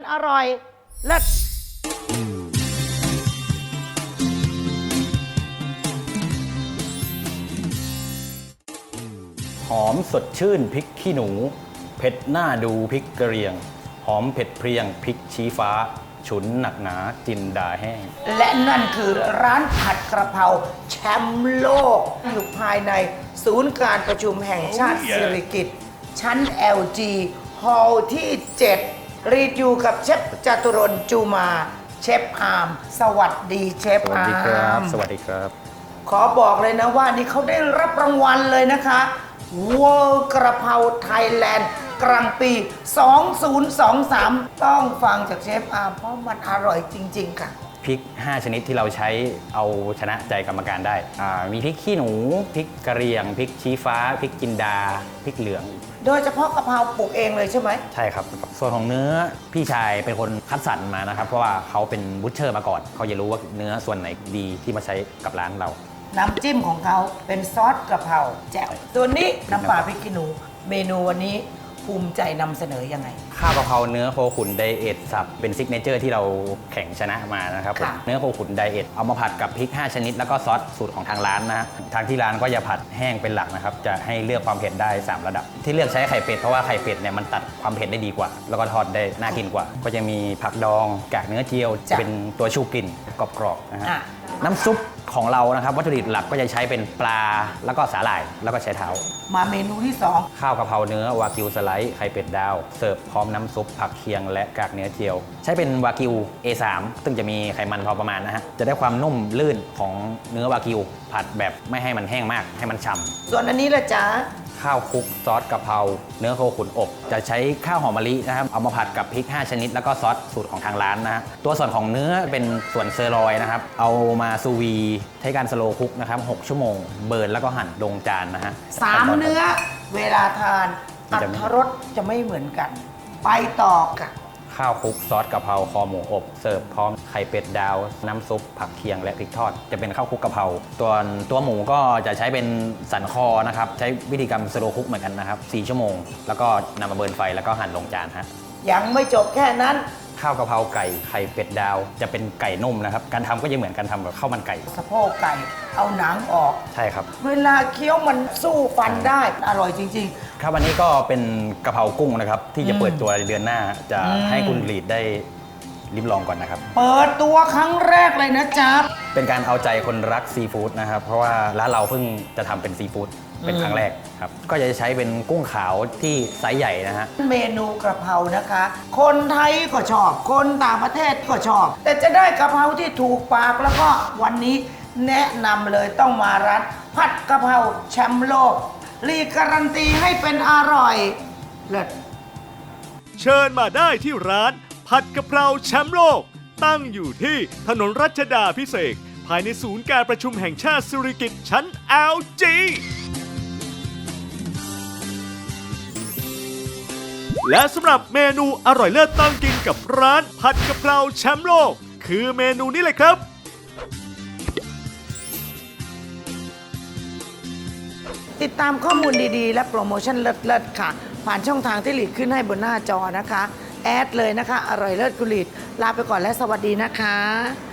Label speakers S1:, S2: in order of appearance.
S1: อร่อยเลิศ
S2: หอมสดชื่นพริกขี้หนูเผ็ดหน้าดูพริกกระเรียงหอมเผ็ดเพรียงพริกชี้ฟ้าฉุนหนักหนาจินดาแห้ง
S1: และนั่นคือร้านผัดกระเพราแชมป์โลกอยู่ภายในศูนย์การประชุมแห่งชาติสิริกิติ์ชั้น LG ฮอลล์ที่ 7 รีดอยู่กับเชฟจตุรนต์จูมาเชฟอาร์มสวัสดีเชฟอาร์ม
S2: สวัสดีครับ
S1: ขอบอกเลยนะว่านี่เขาได้รับรางวัลเลยนะคะ World กระเพราไทยแลนด์กลางปี 2023 ต้องฟังจากเชฟอาร์มเพราะมันอร่อยจริงๆค่ะ
S2: พริก 5 ชนิดที่เราใช้เอาชนะใจกรรมการได้มีพริกขี้หนูพริกกระเรียงพริกชี้ฟ้าพริกจินดาพริกเหลือง
S1: โดยเฉพาะกะเพราปลูกเองเลยใช่ไหม
S2: ใช่ครับส่วนของเนื้อพี่ชายเป็นคนคัดสรรมานะครับเพราะว่าเขาเป็นบูชเชอร์มาก่อนเขาจะรู้ว่าเนื้อส่วนไหนดีที่มาใช้กับร้านเรา
S1: น้ำจิ้มของเขาเป็นซอสกระเพราแจ่วตัวนี้น้ำปลาพริกขี้หนูเมนูวันนี้ภูมิใจนำเสนอยังไง
S2: ข้าวกะเพราเนื้อโคขุนไดเอทสับเป็นซิกเนเจอร์ที่เราแข่งชนะมานะครับผมเนื้อโคขุนไดเอทเอามาผัดกับพริก 5 ชนิดแล้วก็ซอสสูตรของทางร้านนะทางที่ร้านก็จะผัดแห้งเป็นหลักนะครับจะให้เลือกความเผ็ดได้3ระดับที่เลือกใช้ไข่เป็ดเพราะว่าไข่เป็ดเนี่ยมันตัดความเผ็ดได้ดีกว่าแล้วก็ทอดได้น่ากินกว่าก็จะมีผักดองกากเนื้อเจียวจะเป็นตัวชูกลิ่นกรอบๆนะฮะน้ำซุปของเรานะครับวัตถุดิบหลักก็จะใช้เป็นปลาแล้วก็สาหร่ายแล้วก็ใช้เท้า
S1: มาเมนูที่2
S2: ข้าวกะเพราเนื้อวากิวสไลด์ไข่เป็ดดาวเสิร์ฟพร้อมน้ำซุปผักเคียงและกากเนื้อเจียวใช้เป็นวากิว A3 ซึ่งจะมีไขมันพอประมาณนะฮะจะได้ความนุ่มลื่นของเนื้อวากิวผัดแบบไม่ให้มันแห้งมากให้มันฉ่ำ
S1: ส่วนอันนี้ละจ๊ะ
S2: ข้าวคลุกซอสกะเพราเนื้อโคขุนอบจะใช้ข้าวหอมมะลินะครับเอามาผัดกับพริก 5 ชนิดแล้วก็ซอสสูตรของทางร้านนะฮะตัวส่วนของเนื้อเป็นส่วนเซอร์ลอยนะครับเอามาซูวีใช้การสโลว์คุกนะครับ6 ชั่วโมงเบิร์นแล้วก็หั่นลงจานนะฮะ
S1: 3เนื้อเวลาทานอรรถรสจะไม่เหมือนกันไปต่อค่ะ
S2: ข้าวคลุกซอสกะเพราคอหมูอบเสิร์ฟพร้อมไข่เป็ดดาวน้ำซุปผักเคียงและพริกทอดจะเป็นข้าวคลุกกะเพราตัวหมูก็จะใช้เป็นสันคอนะครับใช้วิธีการสโลว์คุกเหมือนกันนะครับ4 ชั่วโมงแล้วก็นำมาเบิร์นไฟแล้วก็หั่นลงจานฮะ
S1: ยังไม่จบแค่นั้น
S2: ข้าวกะเพราไก่ไข่เป็ดดาวจะเป็นไก่นุ่มนะครับการทำก็จะเหมือนการทำแบบข้าวมันไก่
S1: สะโพกไก่เอาหนังออก
S2: ใช่ครับ
S1: เวลาเคี้ยวมันสู้ฟันได้อร่อยจริง
S2: ๆครับวันนี้ก็เป็นกะเพรากุ้งนะครับที่จะเปิดตัวเดือนหน้าจะให้คุณลีดได้ลิ้มลองก่อนนะครับ
S1: เปิดตัวครั้งแรกเลยนะจ๊ะ
S2: เป็นการเอาใจคนรักซีฟู้ดนะครับเพราะว่าร้านเราเพิ่งจะทำเป็นซีฟู้ดเป็นครั้งแรกครับก็จะใช้เป็นกุ้งขาวที่ไซส์ใหญ่นะฮะ
S1: เมนูกระเพรานะคะคนไทยก็ชอบคนต่างประเทศก็ชอบแต่จะได้กระเพราที่ถูกปากแล้วก็วันนี้แนะนำเลยต้องมาร้านผัดกระเพราแชมป์โลกรีการันตีให้เป็นอร่อยเลิศ
S3: เชิญมาได้ที่ร้านผัดกะเพราแชมป์โลกตั้งอยู่ที่ถนนรัชดาภิเษกภายในศูนย์การประชุมแห่งชาติสิริกิติ์ชั้น LGและสำหรับเมนูอร่อยเลิศต้องกินกับร้านผัดกะเพราแชมป์โลกคือเมนูนี้เลยครับ
S1: ติดตามข้อมูลดีๆและโปรโมชั่นเลิศๆค่ะผ่านช่องทางที่หลีดขึ้นให้บนหน้าจอนะคะแอดเลยนะคะอร่อยเลิศกุลีดลาไปก่อนและสวัสดีนะคะ